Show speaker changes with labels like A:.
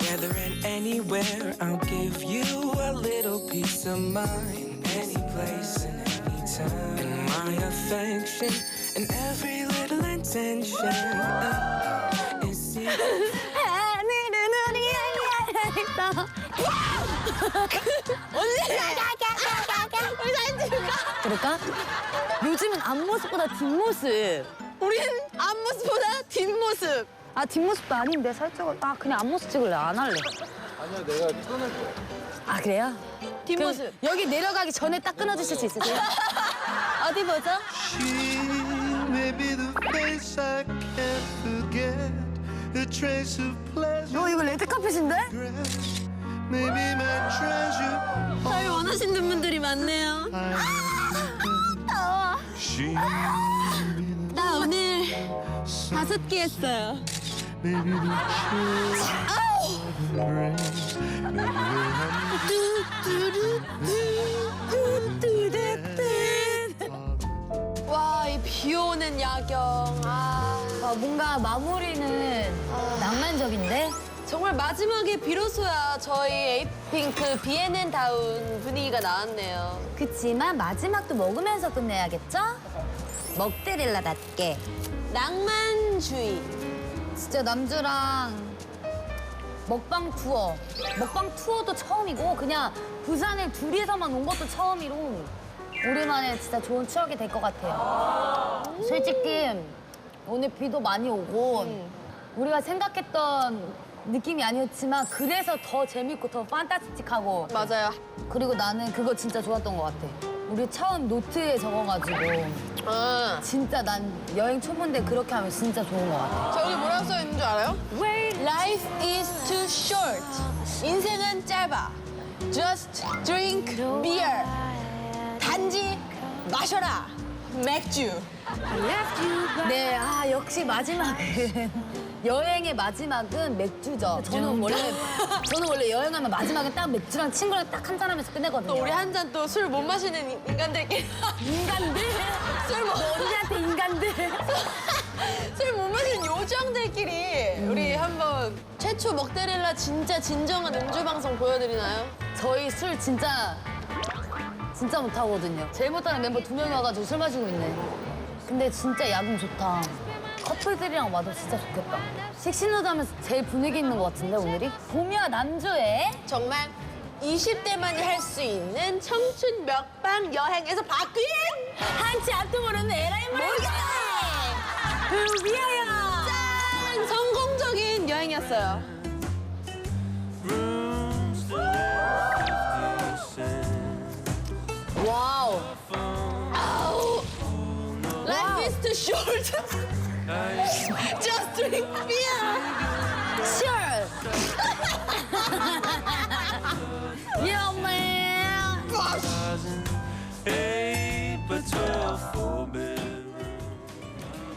A: Together and anywhere, I'll give you a little piece of mind. Any place and any time. And my affection and every little intention is secret.
B: 그럴까? 요즘은 앞모습보다 뒷모습.
C: 우린 앞모습보다 뒷모습.
B: 아, 뒷모습도 아닌데 살짝. 아, 그냥 앞모습 찍을래. 안 할래.
D: 아니야, 내가 끊을 거야.
B: 아, 그래요?
C: 뒷모습.
B: 그럼 여기 내려가기 전에 딱 끊어주실 수 있으세요? 어디 보죠?
E: She may be the face I can't forget, a trace of pleasure,
B: 이거 레드카펫인데?
E: maybe my treasure.
C: 저희 원하시는 분들이 많네요.
E: She
C: 나 오늘 5개 했어요.
E: maybe the
C: 와, 이 비 오는 야경.
B: 뭔가 마무리는 낭만적인데?
C: 정말 마지막에 비로소야 저희 에이핑크 비엔앤다운 분위기가 나왔네요.
B: 그치만 마지막도 먹으면서 끝내야겠죠? 먹데릴라답게.
C: 낭만주의.
B: 진짜 남주랑 먹방 투어도 처음이고 그냥 부산을 둘이서만 온 것도 처음이로 우리만의 진짜 좋은 추억이 될 것 같아요. 솔직히 오늘 비도 많이 오고 우리가 생각했던 느낌이 아니었지만 그래서 더 재밌고 더 판타스틱하고
C: 맞아요.
B: 그리고 나는 그거 진짜 좋았던 것 같아. 우리 처음 노트에 적어가지고 진짜 난 여행 초보인데 그렇게 하면 진짜 좋은 것 같아.
C: 저기 뭐라고 써 있는 줄 알아요? Life is too short. 인생은 짧아. Just drink beer. 단지 마셔라. 맥주.
B: 네, 역시 마지막은 여행의 마지막은 맥주죠. 저는 원래 여행하면 마지막에 딱 맥주랑 친구랑 딱 한잔 하면서 끝내거든요.
C: 또 우리 한 잔 또 술 못 마시는 인간들끼리
B: 인간들? 언니한테 인간들?
C: 술 못 마시는 요정들끼리 우리 한번 최초 먹데릴라 진짜 진정한 음주 방송 보여드리나요?
B: 저희 술 진짜 못하거든요. 제일 못하는 멤버 2명이 와가지고 술 마시고 있네. 근데 진짜 야경 좋다. 커플들이랑 와도 진짜 좋겠다. 식신호도 하면서 제일 분위기 있는 것 같은데, 오늘이? 봄이와 남주의
C: 정말 20대만이 할 수 있는 청춘 먹방 여행에서 바뀐
B: 한치 앞도 모르는 에라이 모르겠다! 위하여!
C: 짠! 성공적인 여행이었어요. 와우. 아우. Life is too short. Just drink beer.
B: Sure!